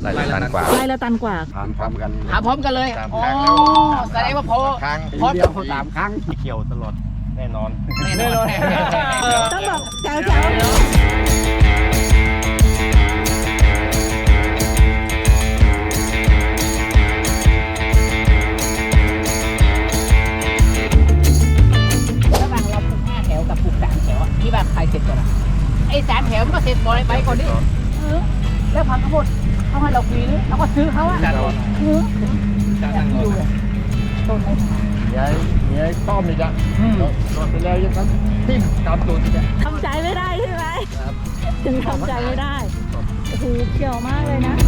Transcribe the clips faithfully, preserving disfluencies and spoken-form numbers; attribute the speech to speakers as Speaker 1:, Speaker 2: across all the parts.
Speaker 1: ไร่ละตันกว่า
Speaker 2: ไร่ละตันกว่า
Speaker 3: ถามพร้อมกัน
Speaker 4: ถามพร้อมกันเลย
Speaker 1: สาม
Speaker 4: อ๋อ
Speaker 1: ครั้งแล้ว
Speaker 4: แสดงว่าพอ
Speaker 1: ครั้ง
Speaker 4: พอ
Speaker 3: เดียวสามครั้ง
Speaker 1: เขียวตลอดแน่นอน
Speaker 4: แน่นอน
Speaker 2: ต้องบอกแจ๋วแจ๋ว
Speaker 4: ระหว่างเราปลูกห้าแถวกับปลูกสามแถวอะที่แบบใครเสร็จก่อนอะไอ้สามแถวมันก็เสร็จบอยไปก่อนดิเออแล้วพังข้าวโพดเขาให้เราฟรีหรือเราก็ซื้อเขาอะ
Speaker 1: จานรอ
Speaker 4: เออแบบที่ดูเลยต้นไม้ขาย
Speaker 3: ยายยายต้อมนี่จ้ะ
Speaker 4: อืม
Speaker 3: รถไปแล้วยังต้องทิ่มตามตัวนี่จ้ะ
Speaker 2: ทำใจไม่ได้ใช่ไหม
Speaker 3: ครับ
Speaker 2: ถึงทำใจไม่ได้โอ้โหเขียวมากเลยนะ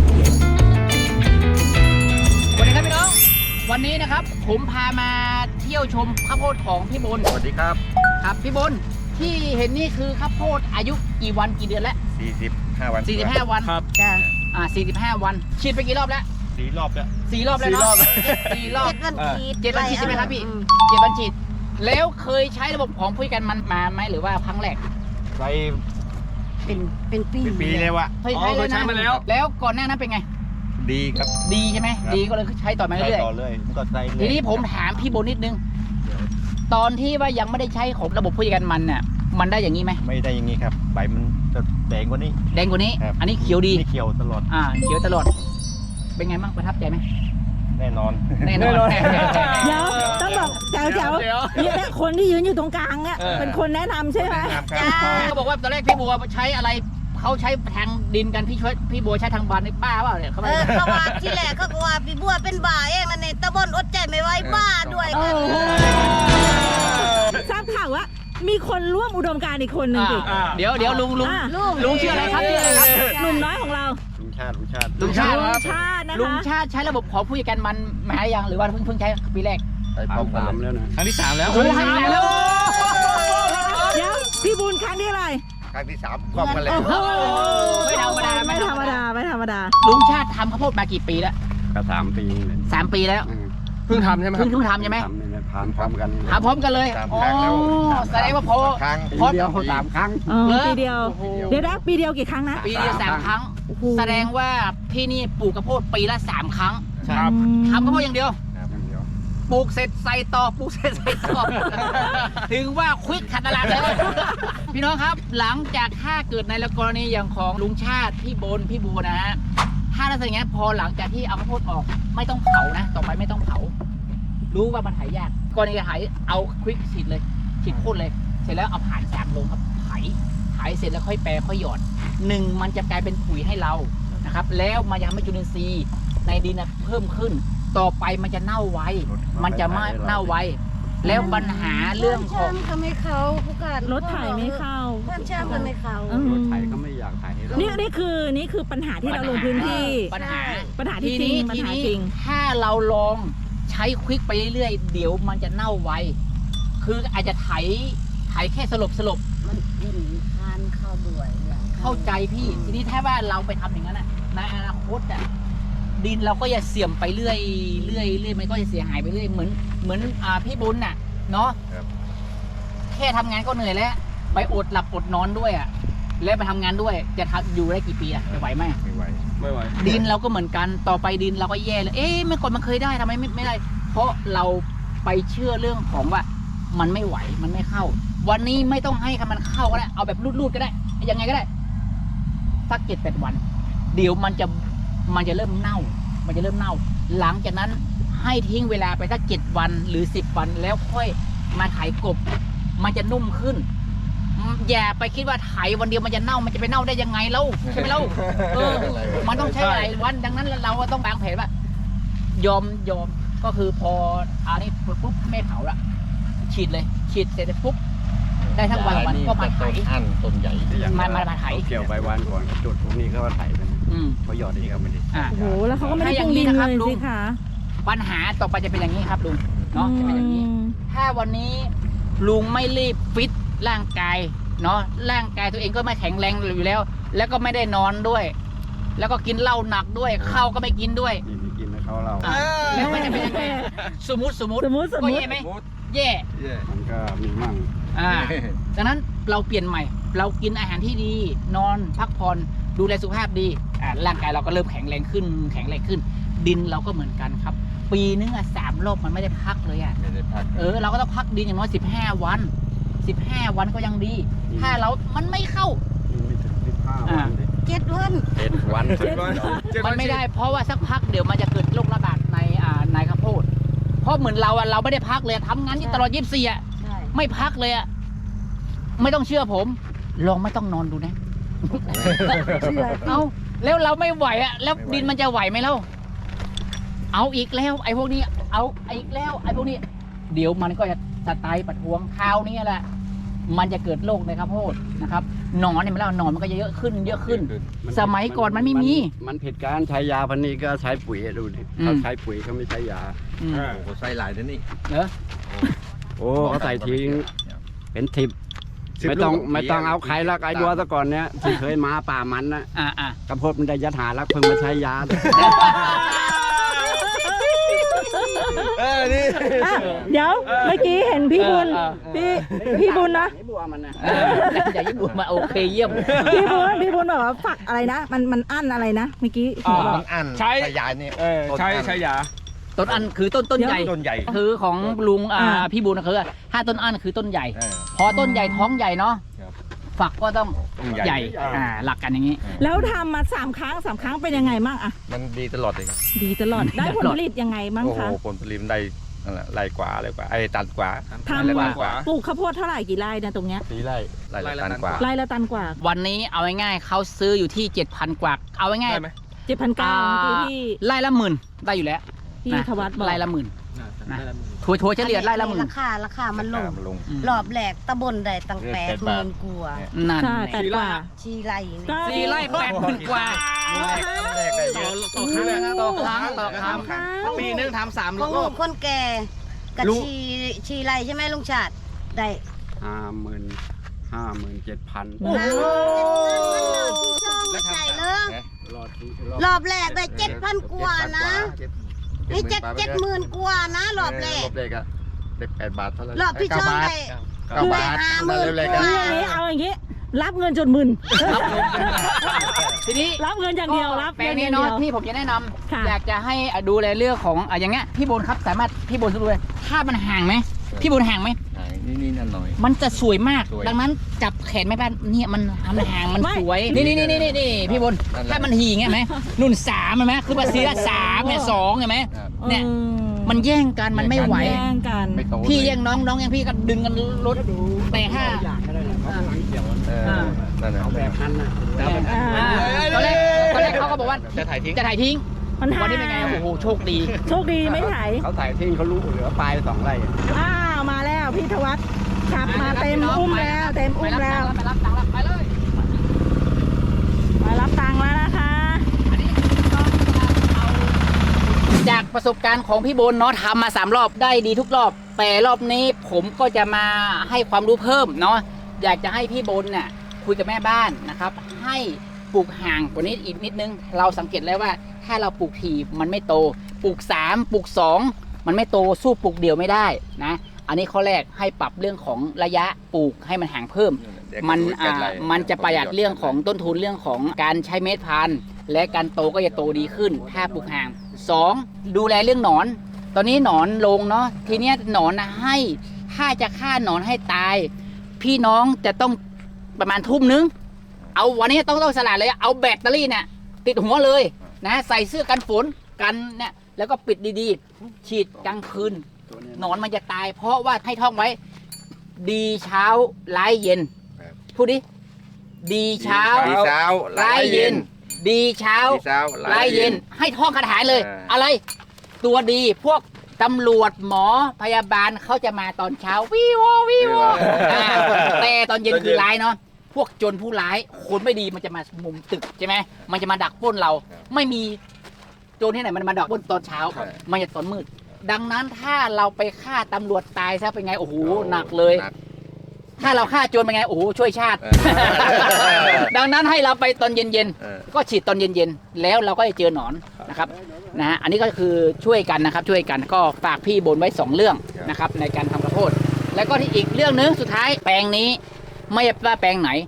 Speaker 4: สวัสดีครับพี่น้อง วันนี้นะครับผมพามาเที่ยวชมข้าวโพดของพี่บน
Speaker 1: สวัสดีครับ
Speaker 4: ครับพี่บนที่เห็นนี่คือข้าวโพดอายุกี่วันกี่เดือนแล้ว
Speaker 1: สี่สิบห้าวัน
Speaker 4: สี่สิบห้าวัน
Speaker 3: ครับ
Speaker 2: จ้ะ
Speaker 4: อ่าสี่สิบห้าวันฉีดไปกี่รอบแล้ว
Speaker 1: สี่รอบแล้ว
Speaker 4: สี่รอบแล้วเนาะสี่รอบ
Speaker 5: เจ็ดวันฉีด
Speaker 4: เจ็ดวันฉีดใช่ไหมครับพี่เจ็ดวันฉีดแล้วเคยใช้ระบบของผู้จัดการมันมาไหมหรือว่าครั้งแรก
Speaker 1: ไป
Speaker 5: เป็นเป็นปี
Speaker 1: เป็นปีเลยวะ
Speaker 4: เคยใช้เลยนะแล้วก่อนหน้านั้นเป็นไง
Speaker 1: ดีครับ
Speaker 4: ดีใช่ไหม
Speaker 1: ครับ
Speaker 4: ดีก็เลยใช้ต่อมา
Speaker 1: ใช้
Speaker 4: เรื่อย
Speaker 1: ต่อเลยมันก็ใช้
Speaker 4: ๆ
Speaker 1: เลย
Speaker 4: ทีนี้ผมถามพี่บนนิดนึง ตอนที่ว่ายังไม่ได้ใช้ของระบบผู้จัดการมันน่ะมันได้อย่างนี้ไหม
Speaker 1: ไม่ได้อย่างนี้ครับใบมันจะแดงกว่านี้
Speaker 4: แดงกว่านี้
Speaker 1: ครับ
Speaker 4: อันนี้เขียวดี
Speaker 1: นี่เขียวตลอด
Speaker 4: อ่าเขียวตลอด เป็นไงบ้างประทับใจไหม
Speaker 1: แน่นอน
Speaker 4: แน่นอน
Speaker 2: เดี๋ยวต้องบอกแจ๋วแจ๋วเนี่ยคนที่ยืนอยู่ตรงกลางเนี่ยเป็นคนแนะนำใช่ไหม
Speaker 5: จ้า
Speaker 4: เขาบอกว่าตอนแรกพี่บัวใช้อะไรเขาใช้ทางดินกันพี่ช่วยพี่บัวใช้ทางบานในป้าเปล่าเนี่ยเขา
Speaker 5: เอ
Speaker 4: ไม่
Speaker 5: อเขาว่าที่แรกเขาก็ว่าพี่บัวเป็นบ้าเองนั่นเองตะบนอดใจไม่ไหวบ้าด้วย
Speaker 2: โอ้
Speaker 5: กัน
Speaker 2: โหทราบข่าวว่ามีคนร่วมอุดมการณ์อีกคนหนึ่งดิ
Speaker 4: อ่าเดี๋ยวเดี๋ยวลุงลุง
Speaker 2: อ่ะ
Speaker 4: ลุงชื่ออะไรครับชื่ออะไรครับ
Speaker 2: หนุ่มน้อยของเรา
Speaker 3: ลุงชาติลุงชาติ
Speaker 4: ลุงชาติ
Speaker 2: ลุงชาตินะ
Speaker 4: ลุง
Speaker 2: คะ
Speaker 4: ชาติใช้ระบบของผู้จัดการมันมายังหรือว่าเพิ่งเพิ่งใช้ปีแรก
Speaker 3: ไปพร้อมกันแล้วนะ
Speaker 1: ครั้งที่สามแล้ว
Speaker 4: โอ้โหให้แล้ว
Speaker 2: เดี๋ยวพี่บุญครั้งที่อะไร
Speaker 1: ครั้งที่สามพร้อมกันเลย
Speaker 2: โอ้โห
Speaker 4: ไม่ธรรมดา
Speaker 2: ไม่ธรรมดาไม่ธรรมดา
Speaker 4: ลุงชาติทำข้าวโพดมากี่ปีแล้ว
Speaker 3: ก็สามปีเลย
Speaker 4: สามปีแล้ว
Speaker 3: เพิ่งทำใช่ไหม
Speaker 4: เพิ่งเพิ่งทำใช่ไหม
Speaker 3: ทำนี่นะถามพร้อมกัน
Speaker 4: ทำพร้อมกันเลย
Speaker 1: สาม
Speaker 4: อ๋อ
Speaker 1: ครั้งแล้ว
Speaker 4: แสดงว่าพอ
Speaker 1: ครั้ง
Speaker 3: ปีเดียวสามครั้ง
Speaker 2: อ๋อ
Speaker 4: เหรอ
Speaker 2: ปีเดียว
Speaker 4: โอ้โห
Speaker 2: เดี๋ยวนะปีเดียวกี่ครั้งนะ
Speaker 4: ปีเดียวสามครั้ง
Speaker 2: โอ้โห
Speaker 4: แสดงว่าที่นี่ปลูกข้าวโพดปีละสามครั้ง
Speaker 3: ครับ
Speaker 2: อืม
Speaker 4: ทำข้าวโพดอย่างเดียว
Speaker 3: ครับอย่างเดียว
Speaker 4: ปลูกเสร็จใส่ต่อปลูกเสร็จใส่ต่อ ถึงว่าควิกขัดตลาดเลย พี่น้องครับหลังจากถ้าเกิดในกรณีอย่างของลุงชาติพี่บนพี่บัวนะฮะถ้าลักษณะอย่างนี้ยพอหลังจากที่เอาข้าวโพดออกไม่ต้องเผานะ ต่อไปไม่ต้องเผา รู้ว่ามันหายยากก่อนจะหายเอาควิกฉีดเลยฉีดพ่นเลย เสร็จแล้วเอาผ่านสามลงครับไถไถเสร็จแล้วค่อยแปรค่อยหยอดหนึ่งมันจะกลายเป็นปุ๋ยให้เรานะครับ แล้วมันยังไม่จุลินทรีย์ในดินนะเพิ่มขึ้น ต่อไปมันจะเน่าไว มันจะไม่เน่าไว แล้วปัญหาเรื่องของ
Speaker 5: ช่างก็ไม่เข้าผู้การ
Speaker 2: รถไถไม่เข้า
Speaker 5: เพื่อนช่างก็ไม่เข้า
Speaker 2: อืม
Speaker 3: รถไถก็ไม่อยากไถให้เรา
Speaker 2: นี่นี่คือนี่คือปัญหาที่เราลงพื้นที่
Speaker 4: ปัญหา
Speaker 2: ปัญหาที่จริงปัญ
Speaker 4: ที
Speaker 2: หา
Speaker 4: นี้
Speaker 2: จริง
Speaker 4: ถ้าเราลองใช้ควิกไปเรื่อยๆเดี๋ยวมันจะเน่าไว คืออาจจะไถไถแค่สลบสลบ
Speaker 5: มันกินทานข้าวด้วยเนี่ย
Speaker 4: เข้าใจพี่ ทีนี้ถ้าว่าเราไปทำอย่างนั้นอะในอนาคตอะดินเราก็จะเสื่อมไปเรื่อยเรื่อยเรื่อยมันก็จะเสียหายไปเรื่อยเหมือนเหมือนอ่าพี่บุญน่ะเนาะ
Speaker 1: ครับ
Speaker 4: แค่ทำงานก็เหนื่อยแล้วไปอดหลับอดนอนด้วยอะแล้วไปทำงานด้วยจะทำอยู่ได้กี่ปีอะจะไหวไหม
Speaker 1: ไม่ไหว
Speaker 3: ไม่ไหว
Speaker 4: ดินเราก็เหมือนกันต่อไปดินเราก็แย่เลยเอ๊ะเมื่อก่อนมันเคยได้ทำไมไม่ไม่ได้ เพราะเราไปเชื่อเรื่องของว่ามันไม่ไหวมันไม่เข้า วันนี้ไม่ต้องให้มันเข้าก็ได้เอาแบบรูดๆก็ได้ยังไงก็ได้สักเจ็ดแปดวัน เดี๋ยวมันจะมันจะเริ่มเน่า มันจะเริ่มเน่า หลังจากนั้นให้ทิ้งเวลาไปสักเจ็ดวันหรือสิบวันแล้วค่อยมาไถกบ มันจะนุ่มขึ้น อย่าไปคิดว่าไถวันเดียวมันจะเน่ามันจะไปเน่าได้ยังไงเล่าใช่ไหมเล่าเออ มันต้องใช้หลายวันดังนั้นเราก็ต้องวางแผนว่ายอมยอมก็คือพออันนี้ปุ๊บไม่เผาละฉีดเลย ฉีดเสร็จปุ๊บได้ทั้งวันวันก็มาไถ
Speaker 1: ต้นอันต้นใหญ่
Speaker 4: มามามาไถ
Speaker 3: เกี่ยวใบวันก่อนจุดพวกนี้ก็ว่าไถไป
Speaker 4: อืม
Speaker 3: เขาหยอดอีกก็ไม่ได้
Speaker 4: อ่า
Speaker 2: โอ้โหแล้วเขาก็ไม่ได้
Speaker 4: ถ้าอ
Speaker 2: ป
Speaker 4: ย่า
Speaker 2: รุ
Speaker 4: ง
Speaker 2: ง
Speaker 4: นี้
Speaker 2: ดิน
Speaker 4: นะครับ
Speaker 2: เลย
Speaker 4: ลุง
Speaker 2: สิคะ
Speaker 4: ปัญหาต่อไปจะเป็นอย่างนี้ครับลุงเนาะจะเป็นอย่างนี้
Speaker 2: อืม
Speaker 4: ถ้าวันนี้ลุงไม่รีบฟิตร่างกายเนาะร่างกายตัวเองก็ไม่แข็งแรงอยู่แล้ว แล้วก็ไม่ได้นอนด้วย แล้วก็กินเหล้าหนักด้วยข้าวก็ไม่กินด้วย
Speaker 3: นี่ไม่กินแล้วเขาเรา
Speaker 4: อ่ะแล้วมันจะเป็นยังไงสมมติสมมติ
Speaker 2: สมมติสม
Speaker 4: ก็
Speaker 2: มติ
Speaker 4: แย่ไหมแย่
Speaker 3: มันก็มีมั่ง
Speaker 4: อ่าดังนั้นเราเปลี่ยนใหม่ เรากินอาหารที่ดี นอนพักผ่อนดูแลสุขภาพดีอ่าร่างกายเราก็เริ่มแข็งแรงขึ้นแข็งแรงขึ้น ดินเราก็เหมือนกันครับ ปีนึงอ่ะสามรอบมันไม่ได้พักเลยอ่ะ
Speaker 1: ไม่ได้พัก
Speaker 4: เออเราก็ต้องพักดินอย่างน้อยสิบห้าวันสิบห้าวันก็ยังดี ถ้าเรามันไม่เข้า
Speaker 3: ไม่ถึงสิบห้าวันดิ
Speaker 5: เจ็ดวัน
Speaker 3: เจ็ดวัน
Speaker 4: มันไม่ได้เพราะว่าสักพักเดี๋ยวมันจะเกิดโรคระบาดในอ่าในข้าวโพดเพราะเหมือนเราอ่ะเราไม่ได้พักเลยทำงานที่ตลอดยี่สิบสี่อ่ะ
Speaker 5: ใช่
Speaker 4: ไม่พักเลยอ่ะไม่ต้องเชื่อผม ลองไม่ต้องนอนดูนะ
Speaker 2: เชื่อ
Speaker 4: เอาแล้วเราไม่ไหวอ่ะแล้วดินมันจะไหวไหมเล่าเอาอีกแล้วไอ้พวกนี้เอาอีกแล้วไอ้พวกนี้ เดี๋ยวมันก็จะสไตล์ประท้วงคราวนี้แหละมันจะเกิดโรคในข้าวโพดนะครับหนอนเนี่ยมันแล้วหนอนมันก็จะเยอะขึ้นเยอะขึ้น สมัยก่อนมันไม่มี
Speaker 3: มันผิดการใช้ยาพันนี้ก็ใช้ปุ๋ยดูดิ
Speaker 4: อืม
Speaker 3: เขาใช้ปุ๋ยเขาไม่ใช้ยา
Speaker 4: อืม
Speaker 1: โอ้โหใส่หลายเดี๋ยวนี้
Speaker 4: เหรอ
Speaker 3: โอ้เขาใส่ทิ้งเป็นทิปไม่ต้องไม่ต้องเอาใครละไอ้ดัวซะก่อนเนี้ยที่เคยมาป่ามันนะ
Speaker 4: อ่าอ่าก
Speaker 3: ระพดมันได้ยัดหารักเพิ่งมาใช้ยา
Speaker 1: เออนี่
Speaker 2: อ่ะเดี๋ยวเมื่อกี้เห็นพี่บุญพี่พี่บุญนะ
Speaker 3: ไอ้บัวมันนะ
Speaker 4: เอออย่ายิ่งบุญมาโอเคเยี่ยม
Speaker 2: พี่บุญพี่บุญบอกว่าฝักอะไรนะ มันมันอั้นอะไรนะเมื่อกี้เห็นบอก
Speaker 1: มันอัน
Speaker 6: ใช้
Speaker 1: ใช้ยาเนี่ย
Speaker 6: เออใช้ใช้ยา
Speaker 4: ต้นอันคือต้นต้นใหญ่
Speaker 1: ต้นใหญ่
Speaker 4: คือของลุงอ่า
Speaker 2: อ่า
Speaker 4: พี่บุญนะคือถ้าต้นอันคือต้นใหญ่
Speaker 1: เออ
Speaker 4: พอต้นใหญ่ท้องใหญ่เนาะ
Speaker 1: ครับ
Speaker 4: ฝักก็ต้อง
Speaker 1: ต้น
Speaker 4: ให
Speaker 1: ใหญ่
Speaker 4: ญ่อ่าหลักกันอย่างนี้
Speaker 2: แล้วทำมาสามครั้งสามครั้งเป็นยังไงบ้างอะ
Speaker 1: มันดีตลอดเลยครับ
Speaker 2: ดีตลอดได้ผลผลิตยังไงบ้าง
Speaker 1: โอ้โห
Speaker 2: คะ
Speaker 1: ผลผลิตมันได้นั่นแหละไร่กว่าอะไรกว่าไอ้ตันกว่า
Speaker 2: ทำ
Speaker 1: ไร่ละตันกว่า
Speaker 2: ปลูกข้าวโพดเท่าไหร่กี่ไร่นะตรงเนี้ย
Speaker 1: สี่ไร่ไร่ละตันกว่า
Speaker 2: ไร่ละตันกว่า
Speaker 4: วันนี้เอาง่ายๆเขาซื้ออยู่ที่เจ็ดพันกว่าเอาง่าย
Speaker 6: ได้ไหม
Speaker 2: เจ็ดพัน
Speaker 4: ๆ
Speaker 2: เก้า
Speaker 4: อ่า
Speaker 2: เมื่อกี้พี่
Speaker 4: ไร่ละหมื่นได้อยู่แล้ว
Speaker 2: พี่
Speaker 4: นะ
Speaker 2: ธวัฒน์บอก
Speaker 4: ไร่ละหมื่นนะทัวร์ทัวร์เฉลี่ยไร่ละหมื่น
Speaker 5: ราคาราคามันลง
Speaker 1: มันลง
Speaker 5: รอบแรกตะบนได้ตั้งแปดหมื่นกว่า
Speaker 4: นั่น
Speaker 2: ใช่แปดกว่า
Speaker 5: ชีไรนี่
Speaker 2: ก็
Speaker 4: สี่ไร่แปดหมื่นกว่า
Speaker 1: แรกได้เยอะ
Speaker 6: ต่อครั้ง
Speaker 4: ต่อครั้งต่อครั้ง
Speaker 6: ปีนึงทำสาม
Speaker 5: ของ
Speaker 6: ร
Speaker 5: ลุ
Speaker 6: อบ
Speaker 5: งคนแก่กับ
Speaker 6: ลุง
Speaker 5: ชีชีไรใช่ไหมลุงชาติได้
Speaker 3: ห้าหมื่นห้าหมื่นเจ็ดพัน
Speaker 2: โอ้โห
Speaker 5: ไม่ใช่เลย
Speaker 3: รอดที่
Speaker 5: รอบแรกได้เจ็ดพันกว่านะนี่เจ็ดเจ็ดหมื่นกว่านะรอบแรก
Speaker 1: รอบแรกอะได้แปดบาทเท่าไหร่
Speaker 5: รอบที่สองได้
Speaker 1: เก้าบาท
Speaker 5: ห้าหมื่น
Speaker 1: เร็วๆ
Speaker 5: ก
Speaker 1: กั
Speaker 5: ว่า
Speaker 1: น
Speaker 2: คืออย่างนี้เอาอย่างนี้ รับเงินจนหมื่น
Speaker 4: ทีนี้
Speaker 2: รับเงินอย่างเดียวรับ
Speaker 4: แปล
Speaker 2: เงิ
Speaker 4: ง
Speaker 2: นอ
Speaker 4: นี้
Speaker 2: ย่าง
Speaker 4: เนาะ
Speaker 2: เดียว
Speaker 4: ที่ผมจะแนะนำ
Speaker 2: ค่ะ
Speaker 4: อยากจะให้ดูแลเรื่องของอ่ะอย่างเงี้ยพี่บนครับสามารถพี่บนดูเลยถ้ามันห่างไหมพี่บนห่างไหม
Speaker 1: นี่นี่นั่นหน่อย
Speaker 4: มันจะสวยมาก
Speaker 1: สวย
Speaker 4: ดังนั้นจับแขนแม่บ้านเนี่ยมันมันห่างมันสวยนี่นี่นี่นี่นี่พี่บน
Speaker 1: นั่นแหละ
Speaker 4: ถ้ามันหี่เงี้ยไหมนุ่นสามเห็นไหมคือภาษีละสามเนี่ยสองเห็นไหม
Speaker 1: ครับ
Speaker 4: เนี่ย
Speaker 2: ออ
Speaker 4: มันแย่งกันมันไม่ไหว
Speaker 2: แย่งกัน
Speaker 1: ไม่โต
Speaker 4: พี่
Speaker 1: เลย
Speaker 4: แย่งน้องน้องแย่งพี่ก็ดึงกันรถแต่ห้า
Speaker 3: อย่างก็ได้นะเขากำลังเกี่ยว
Speaker 1: เออนั่นแหละ
Speaker 3: เอาแบบนั้นนะแล้วแบบ
Speaker 2: อ่า
Speaker 4: อ่าตอนแรกตอนแรกเขาก็บอกว่า
Speaker 1: จะถ่ายทิ้ง
Speaker 4: จะถ่ายทิ้ง
Speaker 2: มันห่าง
Speaker 4: วันนี้เป็นไงโอ้โหโชคดี
Speaker 2: โชคดีไม่ถ่าย
Speaker 3: เขาถ่ายทิ้งเขารู้เหลือปลายสองไร่
Speaker 2: อ้าวมาแล้วพี่ธวัฒน์ขับมาเต็มอุ้มแล้วเต็มอุ้มแล้ว
Speaker 4: ไปรับตังค์แล้วไปเลย
Speaker 2: มารับตังค์แล้วนะคะ
Speaker 4: จากประสบการณ์ของพี่บนเนาะทำมาสามรอบได้ดีทุกรอบ แต่รอบนี้ผมก็จะมาให้ความรู้เพิ่มเนาะอยากจะให้พี่บนเนี่ยคุยกับแม่บ้านนะครับ ให้ปลูกห่างกว่านี้อีกนิดนึง เราสังเกตแล้วว่าถ้าเราปลูกทีมันไม่โตปลูกสามปลูกสองมันไม่โตสู้ปลูกเดียวไม่ได้นะอันนี้ข้อแรกให้ปรับเรื่องของระยะปลูกให้มันห่างเพิ่ม มันอ่ามันจะประหยัดเรื่องของต้นทุนเรื่องของการใช้เม็ดพันธุ์และการโตก็จะโตดีขึ้น ถ้าปลูกห่างสองดูแลเรื่องหนอน ตอนนี้หนอนลงเนาะทีเนี้ยหนอนนะให้ถ้าจะฆ่าหนอนให้ตาย พี่น้องจะต้องประมาณทุ่มนึงเอาวันนี้ต้องต้องสลัดเลยเอาแบตเตอรี่เนี่ยติดหัวเลยนะใส่เสื้อกันฝนกันเนี่ยแล้วก็ปิดดีๆ ฉีดกลางคืนหนอนมันจะตาย เพราะว่าให้ท่องไว้ ดีเช้าร้ายเย็นพูดดิดีเช้า
Speaker 1: ดีเช้า
Speaker 4: ร้ายเย็น ดีเช้า
Speaker 1: ดีเช้า
Speaker 4: ร้ายเย็นให้ท่องคาถาเลย
Speaker 1: เอออ
Speaker 4: อะไร ตัวดีพวกตำรวจหมอพยาบาลเขาจะมาตอนเช้าวิววิวอ่าแต่ตอนเย็นคือร้ายเนาะพวกโจรผู้ร้ายคนไม่ดีมันจะมามุมตึกใช่ไหมมันจะมาดักปล้นเรา ไม่มีโจรที่ไหนมันมาดักปล้นตอนเช้า มันจะตอนมืด ดังนั้นถ้าเราไปฆ่าตำรวจตายซะเป็นไงโอ้โหหนักเลย ถ้าเราฆ่าโจรเป็นไงโอ้โหช่วยชาติ ดังนั้นให้เราไปตอนเย็น
Speaker 1: เออ
Speaker 4: ๆก็ฉีดตอนเย็นๆแล้วเราก็จะเจอหนอนนะครับนะฮะอันนี้ก็คือช่วยกันนะครับช่วยกันก็ฝากพี่บนไว้สองเรื่องนะครับในการทำข้าวโพดแล้วก็ที่อีกเรื่องนึงสุดท้ายแปลงนี้ไม่ว่าแปลงไหน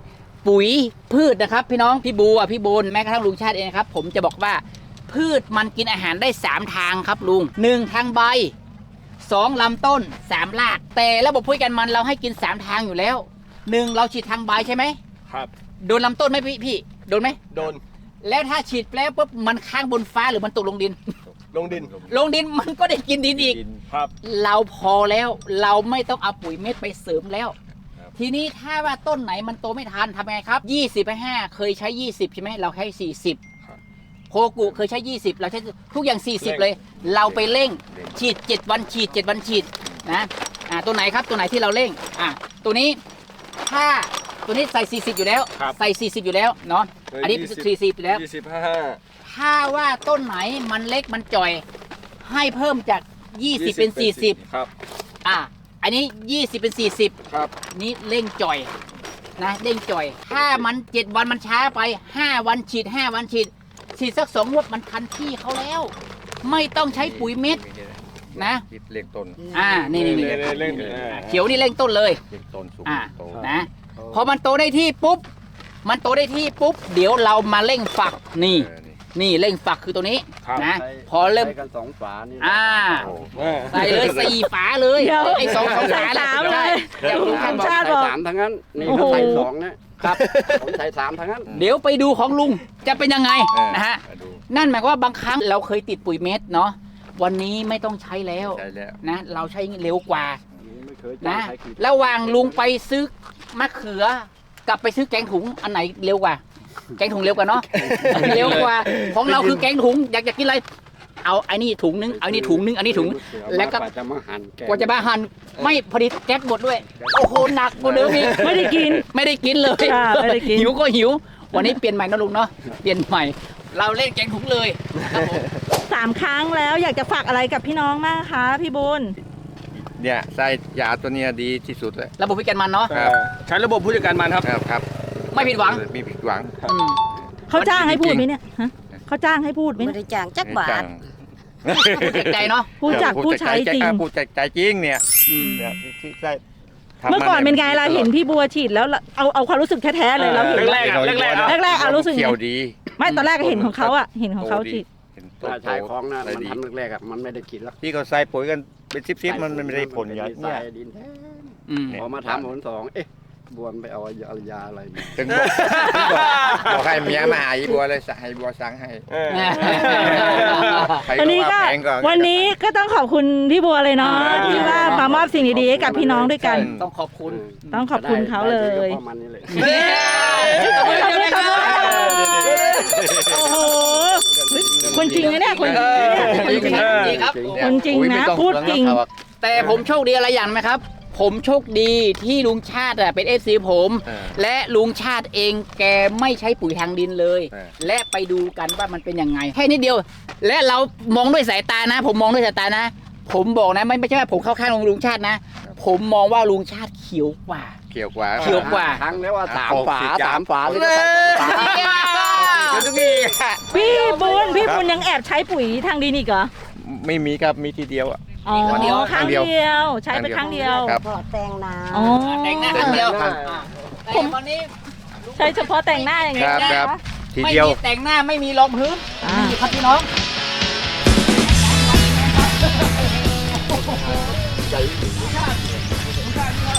Speaker 4: ปุ๋ยพืชนะครับพี่น้องพี่บูอ่ะพี่บูนแม้กระทั่งลุงชาติเองนะครับผมจะบอกว่าพืชมันกินอาหารได้สามทางครับลุงหนึ่งทางใบสองลำต้นสามรากแต่ระบบปุ๋ยกันมันเราให้กินสามทางอยู่แล้วหนึ่งเราฉีดทางใบใช่ไหม
Speaker 6: ครับ
Speaker 4: โดนลำต้นไหมพี่พี่โดนไหม
Speaker 6: โดน
Speaker 4: แล้วถ้าฉีดแล้วปุ๊บมันค้างบนฟ้าหรือมันตกลงดิน
Speaker 6: ลงดิน
Speaker 4: ลงดินมันก็ได้กินดินอีก
Speaker 6: ครับ
Speaker 4: เราพอแล้วเราไม่ต้องเอาปุ๋ยเม็ดไปเสริมแล้ว ทีนี้ถ้าว่าต้นไหนมันโตไม่ทันทำไงครับยี่สิบไปห้าเคยใช้ยี่สิบใช่ไหมเราใช้สี่สิบโคกุเคยใช้ยี่สิบเราใช้ทุกอย่างสี่สิบเลย เราไปเร่งฉีดเจ็ดวันฉีดเจ็ดวันฉีดนะอ่าตัวไหนครับตัวไหนที่เราเร่งอ่าตัวนี้ถ้าตัวนี้ใส่สี่สิบอยู่แล้วใส่สี่สิบอยู่แล้วเนาะอันนี้สี่สิบอยู่แล้ว
Speaker 6: ยี่สิบห้า
Speaker 4: ถ้าว่าต้นไหนมันเล็กมันจ่อยให้เพิ่มจากยี่สิบเป็นสี่สิบ
Speaker 6: ครับ
Speaker 4: อ่ะอันนี้ยี่สิบเป็นสี่สิบ
Speaker 6: ครับ
Speaker 4: นี่เร่งจ่อยนะเร่งจ่อย ถ้ามันเจ็ดวันมันช้าไปห้าวันฉีดห้าวันฉีดฉีดสักสองงวดมันทันที่เขาแล้ว ไม่ต้องใช้ปุ๋ยเม็ดนะ
Speaker 1: คิดเลี้ยงต้น
Speaker 4: อ่านี่นี่นี่
Speaker 6: เร่งเร่งเออ
Speaker 4: เขียวนี่เร่งต้นเลย
Speaker 1: เลี้ยงต้นสูง
Speaker 4: อ่า
Speaker 1: โต
Speaker 4: นะพอมันโตได้ที่ปุ๊บมันโตได้ที่ปุ๊บเดี๋ยวเรามาเร่งฝักนี่
Speaker 1: เออนี่
Speaker 4: นี่เร่งฝักคือตัวนี้
Speaker 6: ครับ
Speaker 4: นะพอเริ่ม
Speaker 3: ใช้กันสองฝานี่
Speaker 4: อ่า
Speaker 1: โอ้
Speaker 6: เออ
Speaker 4: ใส่เลยสี่ฝาเลย
Speaker 2: เดี๋ยว
Speaker 4: ไอ้สองสองฝา
Speaker 2: สามเลย
Speaker 4: ใช่เดี๋ยวลุง
Speaker 2: สา
Speaker 4: ท่าน
Speaker 2: ม
Speaker 4: บอก
Speaker 2: ชาติบอก
Speaker 3: สามทั้งนั้นนี่
Speaker 2: โอ้โห
Speaker 3: เขาใส่สองนะครับ ผมใส่สามทั้งนั้น
Speaker 4: เดี๋ยวไปดูของลุงจะเป็นยังไง
Speaker 1: เออ
Speaker 4: นะฮะ
Speaker 1: มาดู
Speaker 4: นั่นหมายความว่าบางครั้งเราเคยติดปุ๋ยเม็ดเนาะวันนี้ไม่ต้องใช้แล้ว
Speaker 1: ใช่แล้ว
Speaker 4: นะเราใช้เร็วกว่า
Speaker 3: ไม่เคยจ้า
Speaker 4: นะ
Speaker 3: งใครกี่
Speaker 4: ระหว่างลุงไปซื้อมะเขือกลับไปซื้อแกงถุงอันไหนเร็วกว่า แกงถุงเร็วกว่าเนาะเร็วกว่าของเราคือแกงถุงอยากจะกินอะไรเอาไอ้นี่ถุงนึงเอาไอ้นี่ถุงนึงอันนี้ถุง แล้วก็
Speaker 3: าจะมาหั่นแ
Speaker 4: กว่าจะมาหั่นไม่ผลิตแก๊สหมดด้วย โอ้โหหนักกว่าเดิมอีก
Speaker 2: ไม่ได้กิน
Speaker 4: ไม่ได้กินเลย
Speaker 2: ค่ะไม่ได้กิน
Speaker 4: หิวก็หิว วันนี้เปลี่ยนใหม่นะลุงเนาะเปลี่ยนใหม่ เราเล่นแกงถุงเลยนะครับผม
Speaker 2: สามครั้งแล้วอยากจะฝากอะไรกับพี่น้องมากคะพี่บุญ
Speaker 1: เนี่ยใส่ยาตัวเนี้ยดีที่สุดเลย
Speaker 4: ระบบพิกันมันเนาะ
Speaker 1: ครับ
Speaker 6: ใช้ระบบผู้จัดการมันครับ
Speaker 1: ครับครับ
Speaker 4: ไม่ผิดหวัง
Speaker 1: มีผิดหวัง
Speaker 4: อืม
Speaker 2: เขาจ้างให้พูดไหมเนี่ยฮะเขาจ้างให้พูดไหม
Speaker 5: ไม่
Speaker 2: เนี่ย
Speaker 5: ได้จ้างจักบาท
Speaker 4: พูดจากใจเนาะ
Speaker 2: พูดจากผู้ใช้จริง
Speaker 1: พูดจากใจจริงเนี่ย
Speaker 4: อืม
Speaker 1: เนี่ยที่ที่ใส่ทำ
Speaker 2: เมื่อก่อนเป็นไงเราเห็นพี่บัวฉีดแล้วเราเอาเอาความรู้สึกแท้ๆเลยเราเห็น
Speaker 6: แรกๆอะแรกๆอะ
Speaker 2: แรกๆอะรู้สึกไง
Speaker 1: เขียวดี
Speaker 2: ไม่ตอนแรกก็เห็นของเขาอะเห็นของเขา
Speaker 1: โตดี
Speaker 2: ฉีด
Speaker 1: เห็นโต
Speaker 3: ถ้าใช้ของนะ
Speaker 1: ใส่
Speaker 3: มัน
Speaker 1: ดี
Speaker 3: ทำแรกๆอะมันไม่ได้กินแล้ว
Speaker 1: ที่เขาใส่ปุ๋ยกันเป็นซิปๆมันมันไม่ได้ผลอย่าง
Speaker 3: ใส่
Speaker 1: เนี่ย
Speaker 3: ดินแท้
Speaker 4: อืม
Speaker 3: พอมาทำผลสองเอ๊ะบวนไปเอายายาอะไรมา
Speaker 1: ถึงบอกบอกให้เมียมาหาอีบัวเลยสั่งให้บัวสั่งให้
Speaker 6: เออ
Speaker 1: ใคร
Speaker 2: วันนี้ก็
Speaker 1: ว่าแพงก็
Speaker 2: วันนี้ก็ต้องขอบคุณพี่บัวเลยเนาะที่ว่ามามอบสิ่งดีๆให้กับพี่น้องด้วยกัน
Speaker 4: ต้องขอบคุณ
Speaker 2: ต้องขอบคุณเขาเลย
Speaker 3: ได้ฉพาะมันนี่แหละ
Speaker 4: ขอบคุณครับ
Speaker 2: โอ้โหคนจริงนะเนี่ยคนจริงนะเนี่ยคนจริง
Speaker 4: จริงครับ
Speaker 2: คนจริงนะพูดจริง
Speaker 4: แต่ผมโชคดีอะไรอย่างไหมครับ ผมโชคดีที่ลุงชาติอะเป็นเอฟซีผม
Speaker 1: เออ
Speaker 4: และลุงชาติเองแกไม่ใช้ปุ๋ยทางดินเลย
Speaker 1: เออ
Speaker 4: และไปดูกันว่ามันเป็นยังไงแค่นิดเดียว และเรามองด้วยสายตานะ ผมมองด้วยสายตานะ ผมบอกนะไม่ไม่ใช่ว่าผมเข้าข้างลุงชาตินะ ผมมองว่าลุงชาติเขียวกว่า
Speaker 1: เขียวกว่า
Speaker 4: เขียวกว่า
Speaker 3: ครั้งแล้วว่าสาม
Speaker 1: หก
Speaker 3: ฝา
Speaker 1: สิบจาน
Speaker 3: สามฝาเลยก็ใส่สามฝา
Speaker 1: เดี๋ยวทุกที
Speaker 2: พี่บุญพี่บุญยังแอบใช้ปุ๋ยทางดินอีกเหรอ
Speaker 1: ไม่มีครับมีทีเดียวอ่ะ
Speaker 2: อ๋อ
Speaker 4: ครั้งเดียว
Speaker 2: ครั้งเดียวใช้ไปครั้งเดียว
Speaker 1: ครับ
Speaker 5: พอแต่งนา
Speaker 2: อ๋อ
Speaker 4: แต่งหน้าครั้งเดียวอ่ะแต่วันนี้
Speaker 2: ใช้เฉพาะแต่งหน้าอย่างเงี้ย
Speaker 1: ครับ
Speaker 2: นะครับ
Speaker 1: ที
Speaker 4: ไม่
Speaker 1: เดียว
Speaker 4: มีแต่งหน้าไม่มีรองพื้น
Speaker 2: อ่า
Speaker 4: นี่ครับพี่น้อง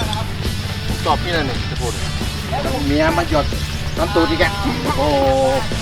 Speaker 1: ตอบพี่นั่นนี่จะพูดเมียมาหยดน้ำตูดอีกแกโอ้